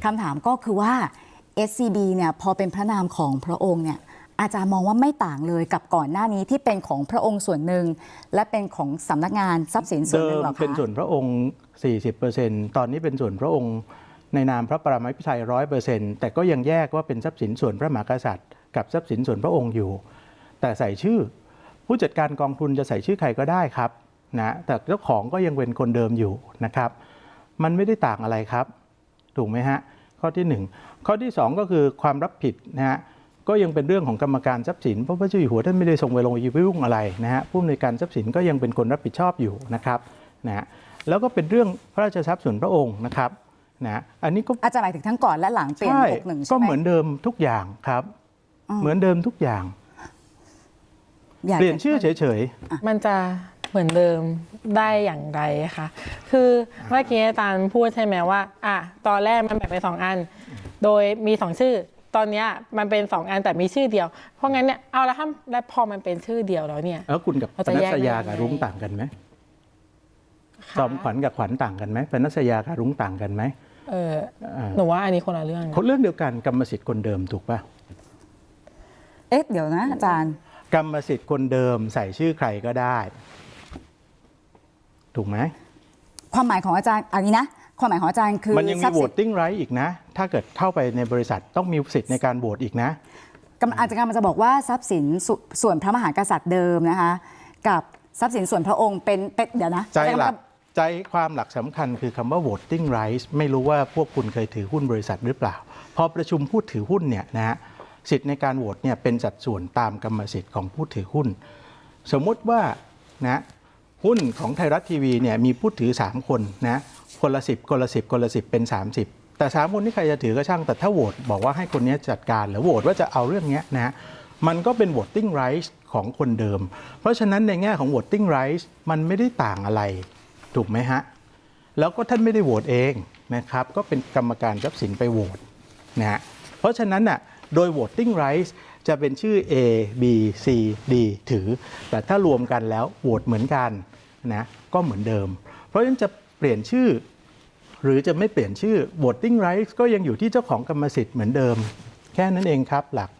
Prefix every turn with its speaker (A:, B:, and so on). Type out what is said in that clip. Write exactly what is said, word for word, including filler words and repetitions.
A: คำถามก็คือว่า เอส ซี บี เนี่ยพอเป็นพระนามของพระองค์เนี่ยอาจารย์มองว่าไม่ต่างเลยกับก่อนหน้านี้ที่เป็นของพระองค์ส่วนหนึ่งและเป็นของสำนักงานทรัพย์สินส่วนหนึ่งหรอคะ
B: เดิมเป็นส่วนพระองค์ สี่สิบเปอร์เซ็นต์ ตอนนี้เป็นส่วนพระองค์ในนามพระปรมาภิไธย ร้อยเปอร์เซ็นต์ แต่ก็ยังแยกว่าเป็นทรัพย์สินส่วนพระมหากษัตริย์กับทรัพย์สินส่วนพระองค์อยู่แต่ใส่ชื่อผู้จัดการกองทุนจะใส่ชื่อใครก็ได้ครับนะแต่เจ้าของก็ยังเป็นคนเดิมอยู่นะครับมันไม่ได้ต่างอะไรครับถูกไหมฮะข้อที่หนึ่งข้อที่สองก็คือความรับผิดนะฮะก็ยังเป็นเรื่องของกรรมการทรัพย์สินเพราะพระเจ้าอยู่หัวท่านไม่ได้ทรงไปลงไปยุ่งอะไรนะฮะผู้อำนวยการทรัพย์สินก็ยังเป็นคนรับผิดชอบอยู่นะครับนะฮะแล้วก็เป็นเรื่องพระราชทรัพย์ส่วนพระองค์นะครับนะอันนี้ก็
A: อาจารย์หมายถึงทั้งก่อนและหลังเปลี่ยนหกสิบเอ็ดใช่ไหม
B: ก็เหมือนเดิมทุกอย่างครับเหมือนเดิมทุกอย่างเปลี่ยนชื่อเฉยๆ
C: มันจะเหมือนเดิมได้อย่างไรคะคือเมื่อกี้อาจารย์พูดใช่ไหมว่าอ่ะตอนแรกมันแบ่งเป็นสองอันโดยมีสองชื่อตอนนี้มันเป็นสองอันแต่มีชื่อเดียวเพราะงั้นเนี่ยเอาแล้วถ้าแล้วพอมันเป็นชื่อเดียวแล้วเนี่ย
B: แล้วคุณกับปนัสยากับรุ้งต่างกันไหมจอมขวัญกับขวัญต่างกันไหมปนัสยากับรุ้งต่างกันไหม
C: เออหนูว่าอันนี้คนละเรื่อง
B: คนเรื่องเดียวกันกรรมสิทธิ์คนเดิมถูกป่ะ
A: เอ๊ะเดี๋ยวนะอาจารย์
B: กรรมสิทธิ์คนเดิมใส่ชื่อใครก็ได้ถูกไหม
A: ความหมายของอาจารย์อันนี้นะความหมายของอาจารย์คือ
B: มันยังมี voting right อีกนะถ้าเกิดเข้าไปในบริษัทต้องมีสิทธิ์ในการโหวตอีกนะ
A: อาจารย์มันจะบอกว่าทรัพย์สินส่วนพระมหากษัตริย์เดิมนะคะกับทรัพย์สินส่วนพระองค์เป็นเดี๋ยวนะ
B: ใจหลักใจความหลักสำคัญคือคำว่า voting rights ไม่รู้ว่าพวกคุณเคยถือหุ้นบริษัทหรือเปล่าพอประชุมผู้ถือหุ้นเนี่ยนะฮะสิทธิ์ในการโหวตเนี่ยเป็นสัดส่วนตามกรรมสิทธิ์ของผู้ถือหุ้นสมมติว่านะหุ้นของไทยรัฐทีวีเนี่ยมีผู้ถือสามคนนะคนละสิบคนละสิบคนละสิบเป็นสามสิบแต่สามคนที่ใครจะถือก็ช่างแต่ถ้าโหวตบอกว่าให้คนนี้จัดการหรือโหวตว่าจะเอาเรื่องนี้นะมันก็เป็น voting rights ของคนเดิมเพราะฉะนั้นในแง่ของ voting rights มันไม่ได้ต่างอะไรถูกไหมฮะแล้วก็ท่านไม่ได้โหวตเองนะครับก็เป็นกรรมการทรัพย์สินไปโหวตนะฮะเพราะฉะนั้นน่ะโดย voting rights จะเป็นชื่อ A B C D ถือแต่ถ้ารวมกันแล้วโหวตเหมือนกันนะก็เหมือนเดิมเพราะฉะนั้นจะเปลี่ยนชื่อหรือจะไม่เปลี่ยนชื่อ voting rights ก็ยังอยู่ที่เจ้าของกรรมสิทธิ์เหมือนเดิมแค่นั้นเองครับหลัก